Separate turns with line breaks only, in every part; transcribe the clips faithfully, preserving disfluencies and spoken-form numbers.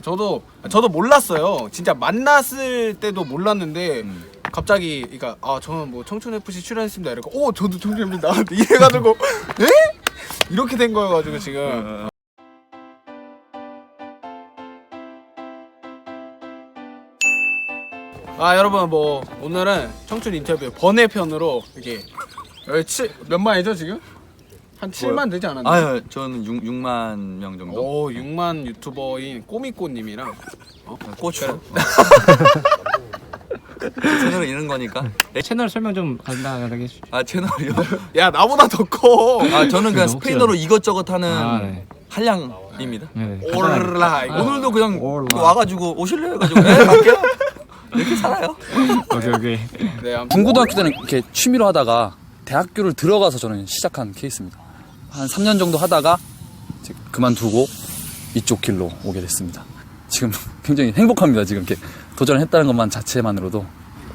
저도 저도 몰랐어요. 진짜 만났을 때도 몰랐는데 음. 갑자기 그러니까 아 저는 뭐 청춘에프씨 출연했습니다 이러고 오 저도 청춘입니다 이래가지고 에? 이렇게 된 거여가지고 지금 아 여러분 뭐 오늘은 청춘 인터뷰 번외편으로 이렇게 몇 만이죠 지금? 한 칠만 되지 않았나요?
아유 저는 육, 육만 명 정도.
오 육만 유튜버인 꼬미꼬님이랑
어? 고추. 채널을 잃은 거니까.
네, 채널 설명 좀 간단하게 해주시죠.
아 채널이요?
야 나보다 더 커.
아 저는 그냥 스페인어로 이것저것 하는
아, 네.
한량입니다.
네,
올라
아, 오늘도 그냥
올라.
와가지고 오실래요? 해가지고 네 갈게요. 이렇게 살아요.
오케이 오케이.
네, 아무튼
중고등학교 때는 이렇게 취미로 하다가 대학교를 들어가서 저는 시작한 케이스입니다. 한 삼 년 정도 하다가 이제 그만두고 이쪽 길로 오게 됐습니다. 지금 굉장히 행복합니다. 지금 이렇게 도전을 했다는 것만 자체만으로도.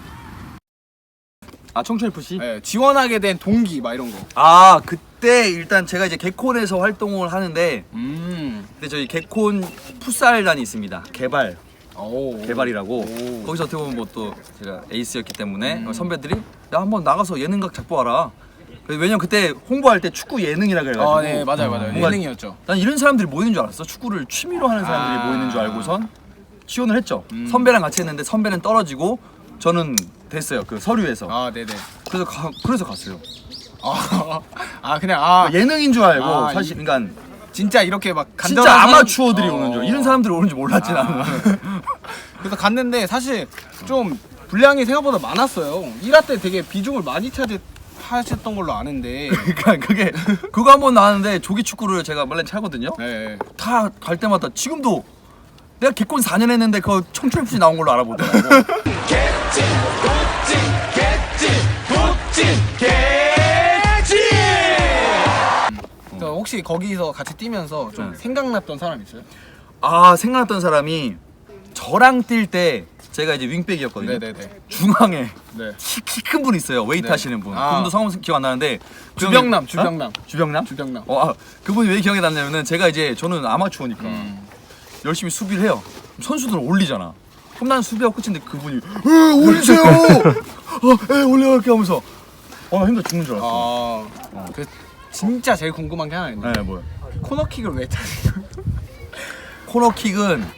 아 청춘에프씨?
네, 지원하게 된 동기 막 이런 거.
아 그때 일단 제가 이제 개콘에서 활동을 하는데
음.
근데 저희 개콘 풋살단이 있습니다. 개발
오.
개발이라고
오.
거기서 어떻게 보면 뭐 또 제가 에이스였기 때문에 음. 선배들이 야 한번 나가서 예능각 잡고 와라. 왜냐면 그때 홍보할 때 축구 예능이라 그래가지고
아, 네 맞아요 맞아요.
뭔가
예능이었죠.
난 이런 사람들이 모이는 줄 알았어. 축구를 취미로 하는 사람들이
아.
모이는 줄 알고선 지원을 했죠.
음.
선배랑 같이 했는데 선배는 떨어지고 저는 됐어요. 그 서류에서.
아 네네.
그래서 가, 그래서 갔어요.
아, 아 그냥 아
예능인 줄 알고
아,
사실 그러니까
진짜 이렇게 막
진짜
간단한 사람-
아마추어들이
어.
오는 줄 이런 사람들이 오는 줄 몰랐지
아.
나는.
그래서 갔는데 사실 좀 분량이 생각보다 많았어요. 일 화 때 되게 비중을 많이 차지하셨던 걸로 아는데.
그러니까 그게 그거 한번 나왔는데 조기 축구를 제가 원래 차거든요.
네.
다 갈 때마다 지금도 내가 개콘 사 년 했는데 그 청춘에프씨 나온 걸로 알아보더라고.
그래서 혹시 거기서 같이 뛰면서 좀
네.
생각났던 사람 있어요?
아 생각났던 사람이 저랑 뛸 때 제가 이제 윙백이었거든요.
네네네.
중앙에
네.
키 큰 분 있어요. 웨이트
네.
하시는 분.
아.
그분도 성함 기억 안 나는데 그
주병남,
형이-
주병남.
어? 주병남?
주병남.
어, 아, 그분이 왜 기억이 났냐면은 제가 이제 저는 아마추어니까
음.
열심히 수비를 해요. 선수들은 올리잖아. 그럼 난 수비하고 끝인데 그분이 에 올리세요. 어, 에 올려 이렇게 하면서 어, 나 힘들어 죽는 줄 알았어.
아, 그 진짜 제일 궁금한 게 하나 있는데
네, 뭐야?
코너킥을 왜 차세요?
코너킥은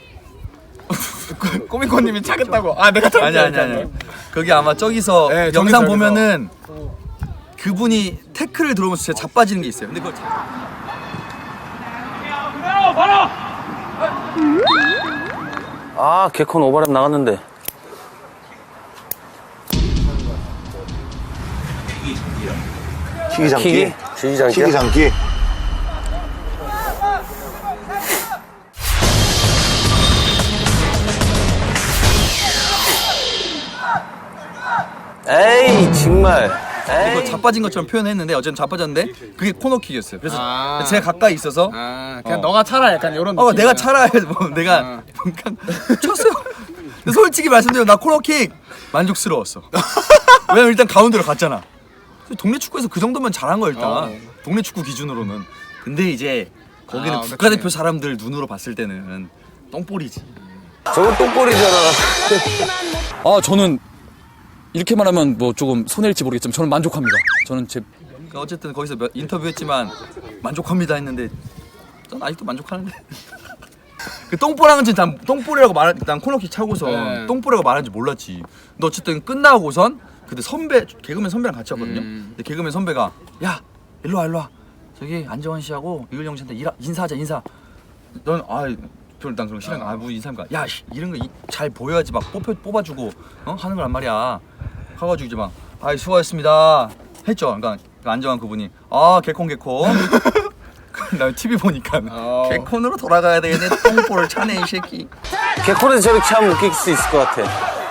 꼬미꼬님이 차겠다고. 아 내가
아니 아니 아니. 그게 아마 저기서
네,
영상
저기서,
보면은 그분이 태클을 들어오면서 제가 자빠지는 게 있어요. 근데 그걸 자...
아, 개콘 오버랩 나갔는데.
키기 장기?
키기? 키기 장기야?
키기 장기?
에이, 정말.
이거
에이.
자빠진 것처럼 표현했는데 어쨌든 자빠졌는데 그게 코너킥이었어요. 그래서
아.
제가 가까이 있어서
아 그냥
어.
너가 차라 약간 이런
어
느낌.
내가 차라 해서 뭐 내가
아.
그냥 쳤어요. 근데 솔직히 말씀드려 나 코너킥 만족스러웠어. 왜냐면 일단 가운데로 갔잖아. 동네 축구에서 그 정도면 잘한 거야 일단.
어.
동네 축구 기준으로는. 근데 이제 거기는
아,
국가대표
그치.
사람들 눈으로 봤을 때는 똥볼이지.
저건 똥볼이잖아.
아 저는 이렇게 말하면 뭐 조금 손해일지 모르겠지만 저는 만족합니다. 저는 제
그러니까 어쨌든 거기서 몇, 인터뷰했지만 만족합니다 했는데 전 아직도 만족하는데. 그 똥볼하는 난 똥볼이라고 말한 난 코너킥 차고서
네.
똥볼이라고 말하는지 몰랐지. 근데 어쨌든 끝나고선 그때 선배 개그맨 선배랑 같이 왔거든요.
음.
근데 개그맨 선배가 야 일로 와 일로 와 저기 안정환 씨하고 이글영 씨한테 일하, 인사하자 인사. 넌 아 별로 난 그런 거 싫어. 아뭐 인사인가. 야 씨, 이런 거 잘 보여야지 막 뽑혀 뽑아주고 어 하는 거란 말이야. 가가지고 이제 막 아이 수고하셨습니다 했죠. 그러니까 그 안정환 그분이 아 개콘 개콘. 나 티비 보니까
어.
개콘으로 돌아가야 되겠네. 똥볼을 차네 이 새끼.
개콘에서 저렇게 하면 웃길 수 있을 것 같아.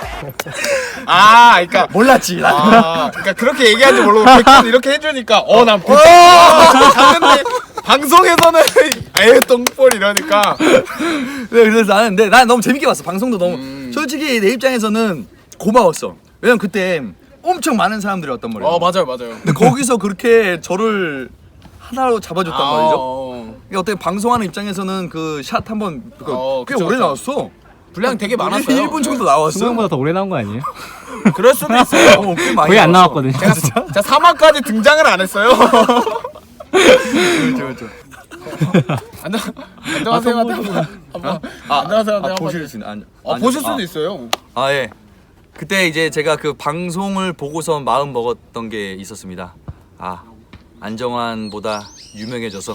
아 그러니까
몰랐지 나.
아 그러니까 그렇게 얘기하는지 모르고 백분 이렇게 해주니까 어난 봤는데 방송에서는 에이 똥볼 이러니까.
네, 그래서 나는 근데 난 너무 재밌게 봤어. 방송도 너무
음.
솔직히 내 입장에서는 고마웠어. 왜냐면 그때 엄청 많은 사람들이 왔단 말이야.
어 맞아요 맞아요.
근데 거기서 그렇게 저를 하나로 잡아줬단
아,
말이죠.
어.
이게 어떻게 방송하는 입장에서는 그 샷 한번
어,
꽤
그쵸,
오래
그쵸.
나왔어.
분량 되게 많았어요.
일 분 정도 나왔어.
수명보다 더 오래 나온 거 아니에요?
그럴 수도 있어요.
어, 꽤 많이
거의 안
나왔어.
나왔거든요.
제가 제가 삼 화까지 등장을 안 했어요.
그렇죠, 그렇죠.
안녕 안녕하세요.
아,
한번
아,
안녕하세요.
아,
한번
보실 수 있는. 안,
아,
안-
보실 수도
아,
있어요.
아 예. 그때 이제 제가 그 방송을 보고서 마음 먹었던 게 있었습니다. 아 안정환보다 유명해져서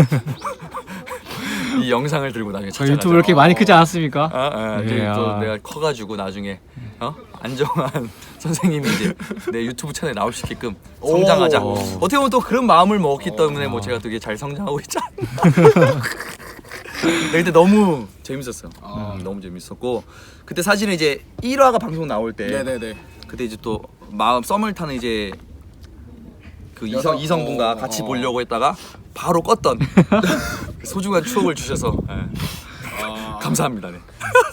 이 영상을 들고 나중에
저
찾아가자.
유튜브 이렇게 많이 크지 않았습니까?
아, 아,
네,
이제 또
아.
내가 커가지고 나중에 어 안정환 선생님이 이제 내 유튜브 채널에 나올 수 있게끔 성장하자.
오.
어떻게 보면 또 그런 마음을 먹었기 때문에 뭐 제가 되게 잘 성장하고 있잖아. 네, 근데 너무 재밌었어. 음, 너무 재밌었고 그때 사실은 이제 일 화가 방송 나올 때
네네네.
그때 이제 또 마음 썸을 타는 이제 그 이성
여성-
이성분과
어,
같이
어.
보려고 했다가 바로 껐던 그 소중한 추억을 주셔서 예.
아,
감사합니다. 네.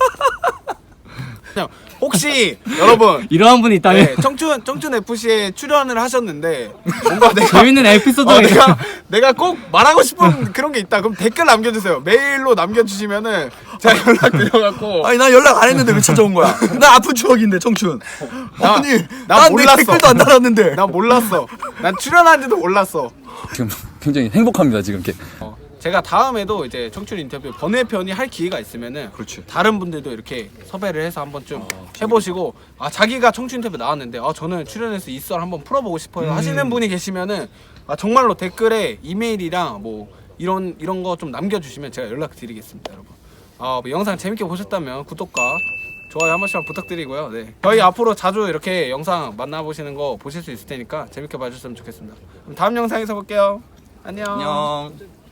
그냥 혹시 여러분
이러한 분이 있다면
네, 청춘 청춘 에프씨에 출연을 하셨는데 뭔가 내가
재밌는 에피소드가
어,
있
내가 내가 꼭 말하고 싶은 그런 게 있다. 그럼 댓글 남겨주세요. 메일로 남겨주시면은 제가 연락 드려갖고
아니 나 연락 안 했는데 왜 찾아온 거야? 나 아픈 추억인데 청춘.
나-
아니
나
난내
몰랐어.
댓글도 안 달았는데.
난 몰랐어. 난 출연한지도 몰랐어.
지금 굉장히 행복합니다. 지금 이렇게.
어, 제가 다음에도 이제 청춘 인터뷰 번외편이 할 기회가 있으면은
그렇지.
다른 분들도 이렇게 섭외를 해서 한번 좀 해보시고 아 자기가 청춘 인터뷰 나왔는데 아 저는 출연해서 이 썰 한번 풀어보고 싶어요 하시는 분이 계시면은 아 정말로 댓글에 이메일이랑 뭐 이런 이런 거 좀 남겨주시면 제가 연락드리겠습니다, 여러분. 아, 뭐 영상 재밌게 보셨다면 구독과 좋아요 한 번씩만 부탁드리고요. 네, 저희 앞으로 자주 이렇게 영상 만나보시는 거 보실 수 있을 테니까 재밌게 봐주셨으면 좋겠습니다. 그럼 다음 영상에서 볼게요. 안녕.
안녕.